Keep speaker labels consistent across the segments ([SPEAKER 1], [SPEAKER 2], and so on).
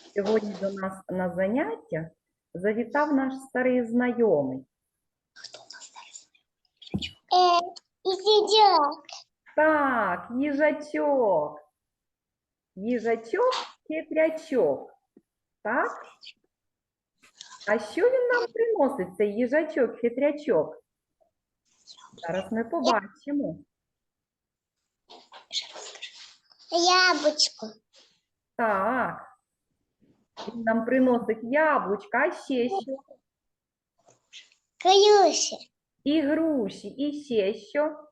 [SPEAKER 1] Сьогодні до нас на заняття завітав наш старий знайомий.
[SPEAKER 2] Їжачок.
[SPEAKER 1] Так, їжачок. Їжачок-хитрячок. Так? А що він нам приносить, цей їжачок-хитрячок? Зараз ми побачимо.
[SPEAKER 2] Яблучко.
[SPEAKER 1] Так. Він нам приносить яблучка, а ще що?
[SPEAKER 2] Крюші.
[SPEAKER 1] І груші, і ще що?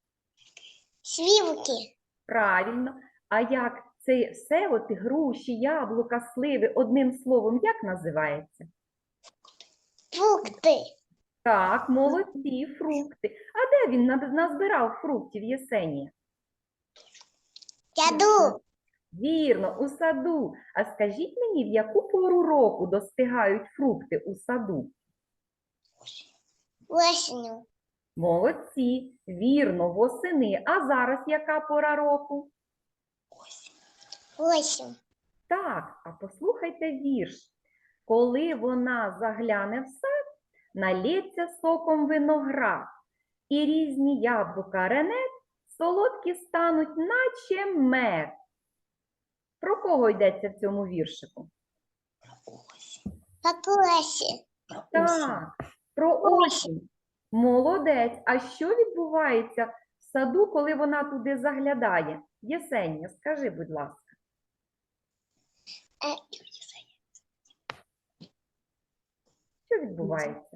[SPEAKER 2] Сливки.
[SPEAKER 1] Правильно. А як це все, от груші, яблука, сливи, одним словом, як називається?
[SPEAKER 2] Фрукти.
[SPEAKER 1] Так, молодці, фрукти. А де він назбирав фруктів, Єсенія?
[SPEAKER 2] Яду.
[SPEAKER 1] Вірно, у саду. А скажіть мені, в яку пору року достигають фрукти у саду?
[SPEAKER 2] Осінню.
[SPEAKER 1] Молодці, вірно, восени. А зараз яка пора року?
[SPEAKER 2] Осінь.
[SPEAKER 1] Так, а послухайте вірш. Коли вона загляне в сад, налється соком виноград, і різні яблука ренет солодкі стануть, наче мед. Про кого йдеться в цьому віршику?
[SPEAKER 2] Покосі.
[SPEAKER 1] Так, про осінь. Молодець. А що відбувається в саду, коли вона туди заглядає? Єсенія, скажи, будь ласка. Що відбувається?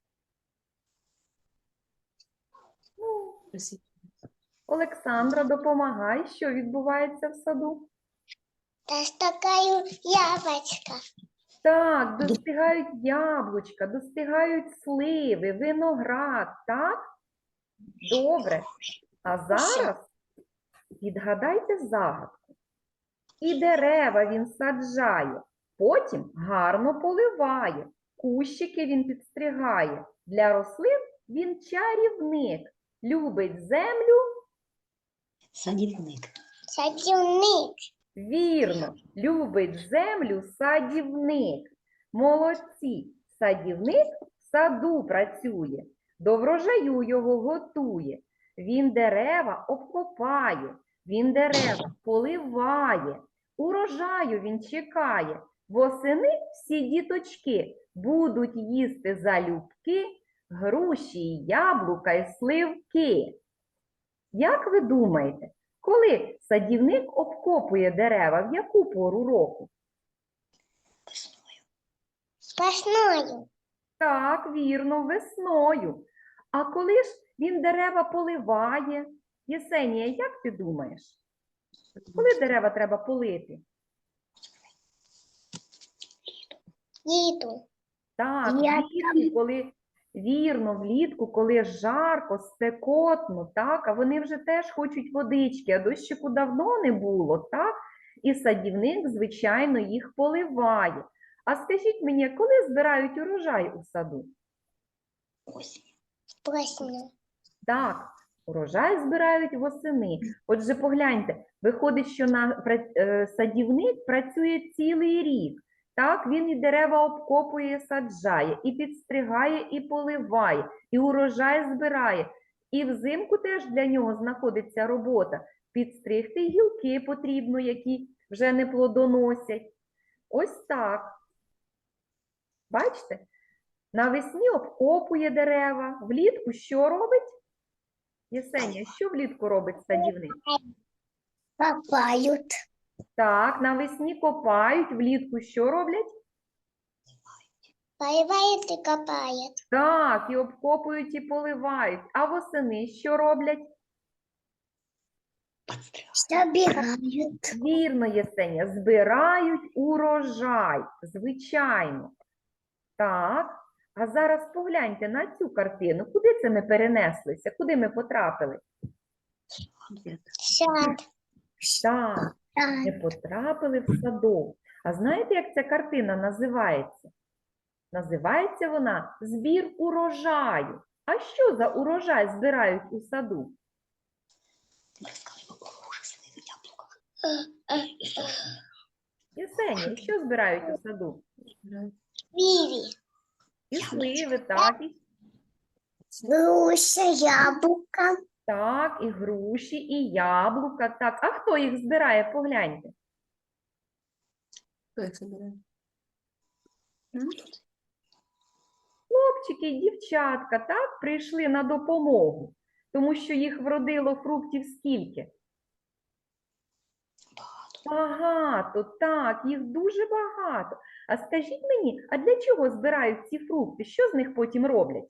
[SPEAKER 1] Ну, Олександра, допомагай, що відбувається в саду?
[SPEAKER 2] Достигаю яблочко.
[SPEAKER 1] Так, достигають яблучка, достигають сливи, виноград, так? Добре. А зараз відгадайте загадку. І дерева він саджає, потім гарно поливає, кущики він підстригає. Для рослин він чарівник, любить землю.
[SPEAKER 3] Садівник.
[SPEAKER 2] Садівник.
[SPEAKER 1] Вірно, любить землю садівник. Молодці, садівник в саду працює, до врожаю його готує. Він дерева обкопає, він дерева поливає, урожаю він чекає. Восени всі діточки будуть їсти залюбки груші, яблука й сливки. Як ви думаєте, коли садівник обкопує дерева, в яку пору року?
[SPEAKER 2] Весною.
[SPEAKER 1] Так, вірно, весною. А коли ж він дерева поливає? Єсенія, як ти думаєш? Коли дерева треба полити?
[SPEAKER 2] Літу.
[SPEAKER 1] Так,
[SPEAKER 2] Я
[SPEAKER 1] влітку, коли вірно, влітку, коли жарко, спекотно, так, а вони вже теж хочуть водички, а дощику давно не було, так? І садівник, звичайно, їх поливає. А скажіть мені, коли збирають урожай у саду?
[SPEAKER 2] Осінню.
[SPEAKER 1] Так, урожай збирають восени. Отже, погляньте, виходить, що садівник працює цілий рік. Так, він і дерева обкопує, саджає, і підстригає, і поливає, і урожай збирає. І взимку теж для нього знаходиться робота. Підстригти гілки потрібно, які вже не плодоносять. Ось так. Бачите? Навесні обкопує дерева. Влітку що робить? Єсенія, що влітку робить садівник?
[SPEAKER 2] Копають.
[SPEAKER 1] Так, навесні копають, влітку що роблять?
[SPEAKER 2] Поливають і копають.
[SPEAKER 1] Так, і обкопують, і поливають. А восени що роблять?
[SPEAKER 2] Собирають.
[SPEAKER 1] Вірно, Єсенія, збирають урожай, звичайно. Так, а зараз погляньте на цю картину. Куди це ми перенеслися? Куди ми потрапили?
[SPEAKER 2] Сад.
[SPEAKER 1] Так, ми потрапили в садок. А знаєте, як ця картина називається? Називається вона «Збір урожаю». А що за урожай збирають у саду? Єсенія, що збирають у саду?
[SPEAKER 2] Виви.
[SPEAKER 1] І сливи, так,
[SPEAKER 2] Груша, яблоко.
[SPEAKER 1] так, і груші, і яблука, так. А хто їх збирає? Погляньте.
[SPEAKER 3] Хто їх забирає?
[SPEAKER 1] Хлопчики і дівчатка, так, прийшли на допомогу, тому що їх вродило фруктів скільки? Багато, так, їх дуже багато. А скажіть мені, а для чого збирають ці фрукти? Що з них потім роблять?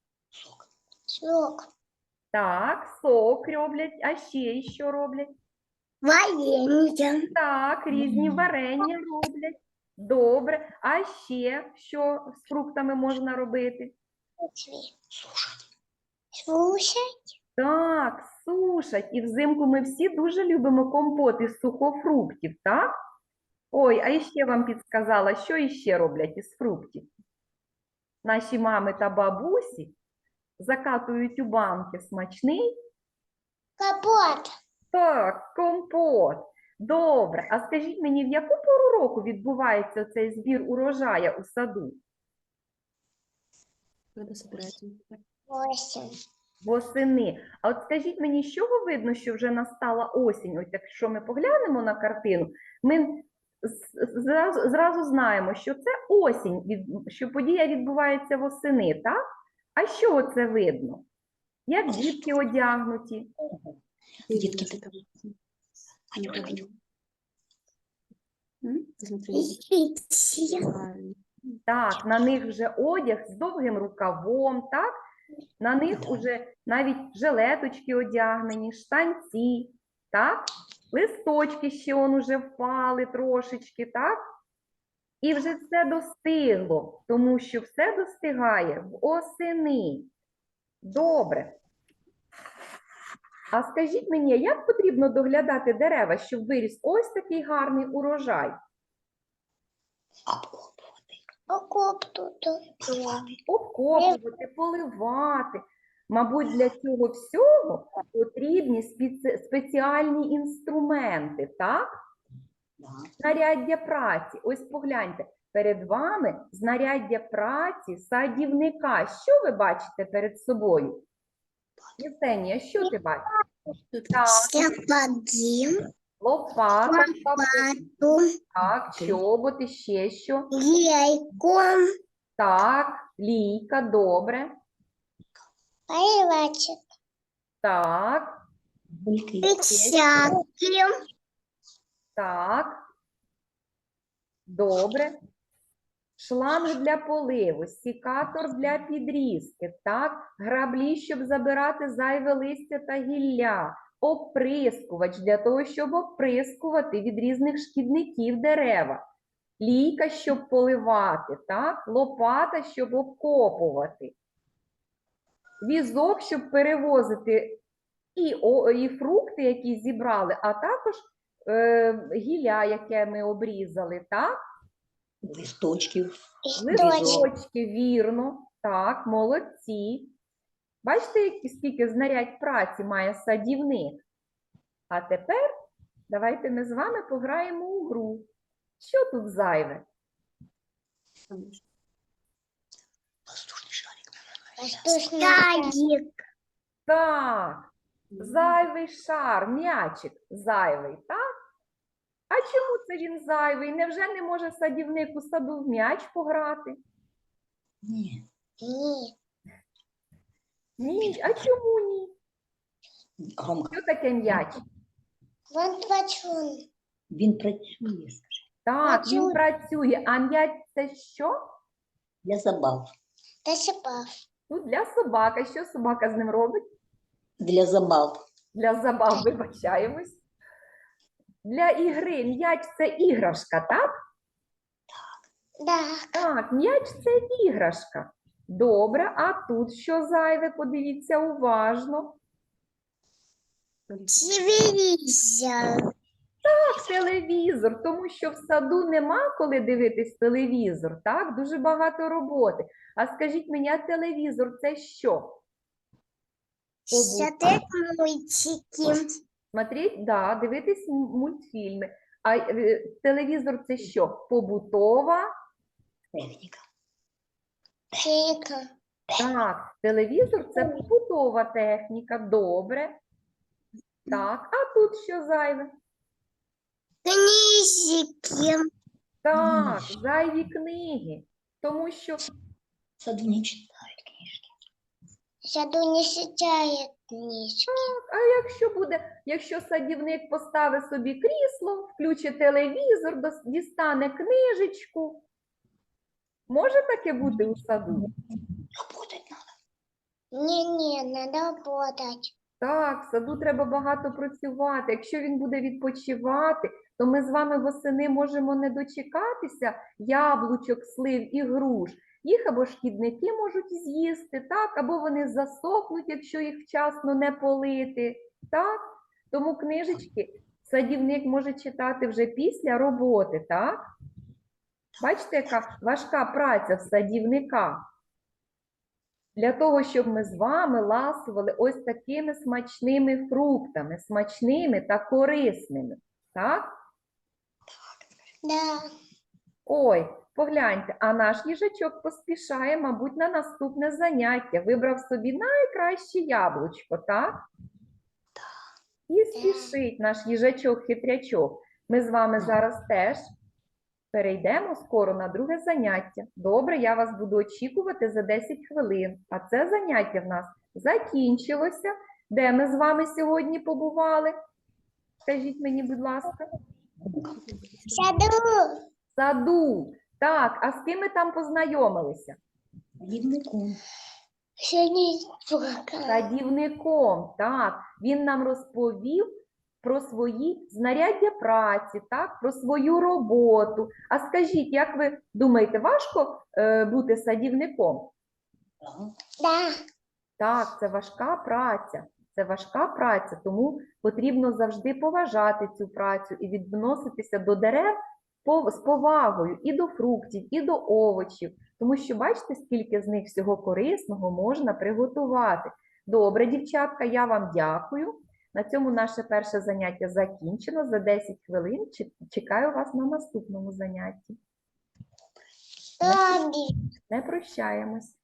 [SPEAKER 2] Сок.
[SPEAKER 1] Так, сок роблять, а ще що роблять?
[SPEAKER 2] Варенье.
[SPEAKER 1] Так, різні варення роблять. Добре. А ще що з фруктами можна робити?
[SPEAKER 3] Слушать.
[SPEAKER 2] Слушай.
[SPEAKER 1] Так, сушать. І взимку ми всі дуже любимо компот із сухофруктів, так? Ой, а іще вам підсказала, що іще роблять із фруктів? Наші мами та бабусі закатують у банки смачний.
[SPEAKER 2] Капот.
[SPEAKER 1] Так, компот. Добре. А скажіть мені, в яку пору року відбувається цей збір урожая у саду?
[SPEAKER 3] Коли собирається?
[SPEAKER 2] 8.
[SPEAKER 1] Восени. А от скажіть мені, з чого видно, що вже настала осінь? Ось якщо ми поглянемо на картину, ми зразу знаємо, що це осінь, що подія відбувається восени, так? А що це видно? Як дітки одягнуті?
[SPEAKER 3] Дітки ти там. Аня, правильно. Смотри. Правильно.
[SPEAKER 1] Так, на них вже одяг з довгим рукавом, так? На них уже навіть жилеточки одягнені, штанці, так? Листочки ще он уже впали трошечки, так? І вже все достигло, тому що все достигає в осени. Добре. А скажіть мені, як потрібно доглядати дерева, щоб виріс ось такий гарний урожай?
[SPEAKER 2] Окоп тут.
[SPEAKER 1] Обкопувати, поливати. Мабуть, для цього всього потрібні спеціальні інструменти, так? Знаряддя праці. Ось погляньте, перед вами знаряддя праці садівника. Що ви бачите перед собою? Євгенія, що ти бачиш? Так,
[SPEAKER 2] Сапоги.
[SPEAKER 1] лопата,
[SPEAKER 2] Лопату.
[SPEAKER 1] так, чоботи, ще що.
[SPEAKER 2] Яйку.
[SPEAKER 1] Так, лійка, добре.
[SPEAKER 2] Поливачек.
[SPEAKER 1] Так,
[SPEAKER 2] Перчатки.
[SPEAKER 1] так. Добре. Шланг для поливу, сікатор для підрізки, так, граблі, щоб забирати зайве листя та гілля, оприскувач для того, щоб оприскувати від різних шкідників дерева, лійка, щоб поливати, так, лопата, щоб обкопувати, візок, щоб перевозити і фрукти, які зібрали, а також гілля, яке ми обрізали, так?
[SPEAKER 3] Листочків.
[SPEAKER 1] Листочки, вірно. Так, молодці. Бачите, скільки знарядь праці має садівник? А тепер давайте ми з вами пограємо у гру. Що тут зайве?
[SPEAKER 3] Воздушний шарик.
[SPEAKER 2] Воздушный
[SPEAKER 1] Так, зайвий шар, м'ячик зайвий, так? А чому це він зайвий? Невже не може садівник у саду в м'яч пограти?
[SPEAKER 3] Ні.
[SPEAKER 2] Нет.
[SPEAKER 1] Ні. А чому ні?
[SPEAKER 3] Ромка,
[SPEAKER 1] Що таке м'яч?
[SPEAKER 2] Вон плачун.
[SPEAKER 3] він працює, скажи.
[SPEAKER 1] Так, він
[SPEAKER 2] Працює.
[SPEAKER 1] працює. А м'яч це що?
[SPEAKER 3] Для забав.
[SPEAKER 2] Досыпав.
[SPEAKER 1] Ну, для собака. Що собака з ним робить?
[SPEAKER 3] Для забав.
[SPEAKER 1] Для забав, вибачаємось. Для ігри. М'яч це іграшка, так?
[SPEAKER 2] Да.
[SPEAKER 1] Так, м'яч це іграшка. Добре, а тут що зайве? Подивіться уважно.
[SPEAKER 2] Телевизор.
[SPEAKER 1] Телевізор, тому що в саду нема коли дивитись телевізор, так? Дуже багато роботи. А скажіть мені, а телевізор це що?
[SPEAKER 2] Смотреть мультики.
[SPEAKER 1] Смотреть, да, дивитись мультфільми. А телевізор це що? Побутова?
[SPEAKER 3] Техніка.
[SPEAKER 2] Чайка.
[SPEAKER 1] Так, телевізор це побутова техніка. Добре. Так, а тут що зайве?
[SPEAKER 2] Книжки.
[SPEAKER 1] Так,
[SPEAKER 3] Книжки.
[SPEAKER 1] зайві книги. Тому що
[SPEAKER 3] В саду не читають книжки.
[SPEAKER 2] Саду не читает книжки.
[SPEAKER 1] А якщо садівник поставить собі крісло, включить телевізор, дістане книжечку, може таке бути у саду?
[SPEAKER 3] Работать надо.
[SPEAKER 2] Не, надо работать.
[SPEAKER 1] Так, в саду треба багато працювати. Якщо він буде відпочивати, то ми з вами восени можемо не дочекатися яблучок, слив і груш. Їх або шкідники можуть з'їсти, так, або вони засохнуть, якщо їх вчасно не полити. Так? Тому книжечки садівник може читати вже після роботи, так? Бачите, яка важка праця в садівника? Для того, щоб ми з вами ласували ось такими смачними фруктами, смачними та корисними. Так?
[SPEAKER 2] Да.
[SPEAKER 1] Ой, погляньте, а наш їжачок поспішає, мабуть, на наступне заняття. Вибрав собі найкраще яблучко, так? І спішить наш їжачок-хитрячок. Ми з вами зараз теж перейдемо скоро на друге заняття. Добре, я вас буду очікувати за 10 хвилин. А це заняття в нас закінчилося. Де ми з вами сьогодні побували? Скажіть мені, будь ласка.
[SPEAKER 2] Саду.
[SPEAKER 1] В саду. Так, а з ким ми там познайомилися?
[SPEAKER 3] Садівником.
[SPEAKER 2] Садівника.
[SPEAKER 1] Садівником, так. Він нам розповів про свої знаряддя праці, так, про свою роботу. А скажіть, як ви думаєте, важко бути садівником?
[SPEAKER 3] Ага.
[SPEAKER 2] Да.
[SPEAKER 1] Так, це важка праця. Це важка праця, тому потрібно завжди поважати цю працю і відноситися до дерев з повагою і до фруктів, і до овочів. Тому що бачите, скільки з них всього корисного можна приготувати. Добре, дівчатка, я вам дякую. На цьому наше перше заняття закінчено. За 10 хвилин чекаю вас на наступному занятті.
[SPEAKER 2] Добре.
[SPEAKER 1] Не прощаємось.